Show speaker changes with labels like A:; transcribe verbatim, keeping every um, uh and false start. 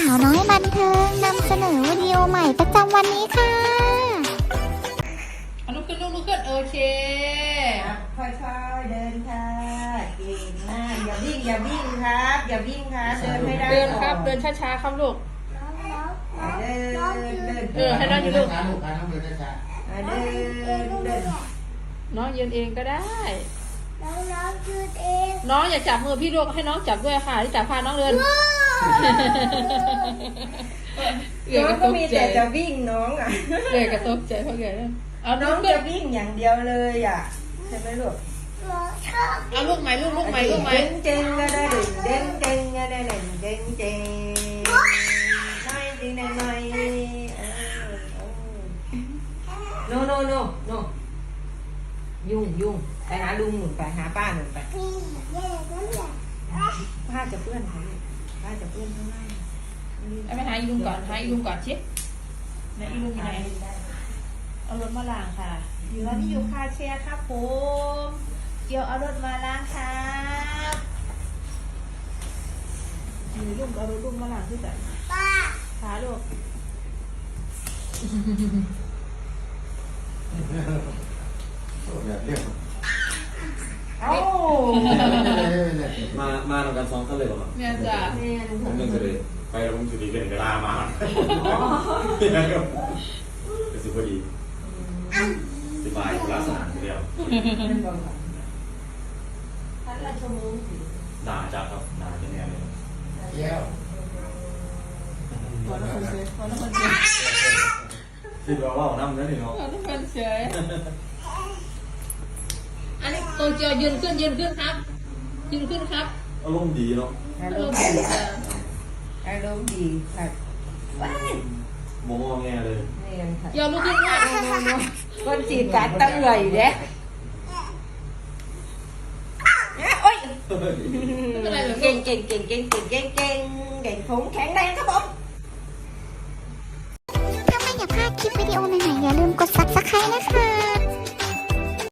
A: าวน้อยบันเทิงนำเสนอวิดีโอใหม่ประจำวันนี้ค่ะ
B: ลุกขึ้นลุกลุกขึ้นโอเค
C: ค่อยๆเดินค่ะเก่งมากอย่าวิ่งอย่าวิ่งครับอย่าวิ่งครับเดินให้ได้
B: เดินครับเดินช้าๆครับลูก
C: เดินเดิน
B: เออให้น้องอยู่ลูก
D: ช้าลูกน้องเดินช้า
C: เดินเดิน
B: น้องยืนเองก็ได้
A: น้องน้องยืนเอง
B: น้องอย่าจับมือพี่ลูกให้น้องจับด้วยค่ะที่จับพาน้องเดิน
C: น้องก็มีแต่จะวิ่งน้องอ่ะ
B: เกิดกระตกใจเพราะเกิดเอา
C: น้
B: น้
C: อ
B: อง ง
C: จะวิ่งอย่างเดียวเลยอ่ะใช่ไหมลูก
A: น้องชอบ
B: เอาลูกใหม่ลูกลูกใหม่ลูกใหม่
C: เด้งเจงก็ได้เด้งเด้งเจงก็ได้เด้งเด้งเจงน้อยจริงหน่อยโนโนโนโนยุ่งยุ่งไปหาลุงหนุนไปหาป้าหนุนไป
A: พี่เย่ก็อยาก
C: ผ้าจะเปื้อนค่ะลูกผ้าจะเปื้อนข้างล่าง
B: เอาไปหาอีลุงก่อนหาอีลุงก่อนชิดไหนอีลุงอยู่ไหนเอารถมาล้างค่ะอยู่ร้านที่อยู่คาแชร์ครับผมเกี่ยวเอารถมาล้างครับมีลุงเอารถลุงมาล้างที่ไหน
A: ป้า
B: ขาลูก
D: แบบเรียก
C: เอ้า
E: มา มาทำการซ้อมกันเลยเหรอครับ
B: เนี่ยจ้ะ
C: แม่ลุง
E: ผมยังจะเลยไปแล้วผมจะดีกันเวลามาเป็นสุดพอดีสบายคนละสถานทีเดียว
C: ท่านราชวงศ์
E: หนาจังครับหนาเป็นแนวเลย
D: แก้ว
B: วันละคนเฉยวันละคนเฉย
E: คิดว่าว่าน้ำนั่นนี่เนาะ
B: วันละคนเฉยอันนี้โตเกียวยืนขึ้นยืนขึ้นครับยืนขึ้นครับ
E: อารมณ์ดีเนาะ
C: อาร
B: ลู
C: ม
B: ก
C: ณ์
B: เสื
C: ดี
B: อ
C: อารมณ์ดีค่ะว้าย
E: มองแงเลย
C: นี่ยค่ะ
B: เกียวลูกขึ้นค่ะ
C: คนจีบการตั้งเลยเด้โอ้ย
B: ไม่เป็นไรหรอก
C: เก่งเก่งเก่งเก่งเก่งเก่งเก่งเก่งผมแข็งแรงครับผม
A: ถ้าไม่อยากพลาดคลิปวิดีโอใหม่ๆอย่าลืมกด ซับสไครบ์ นะคะ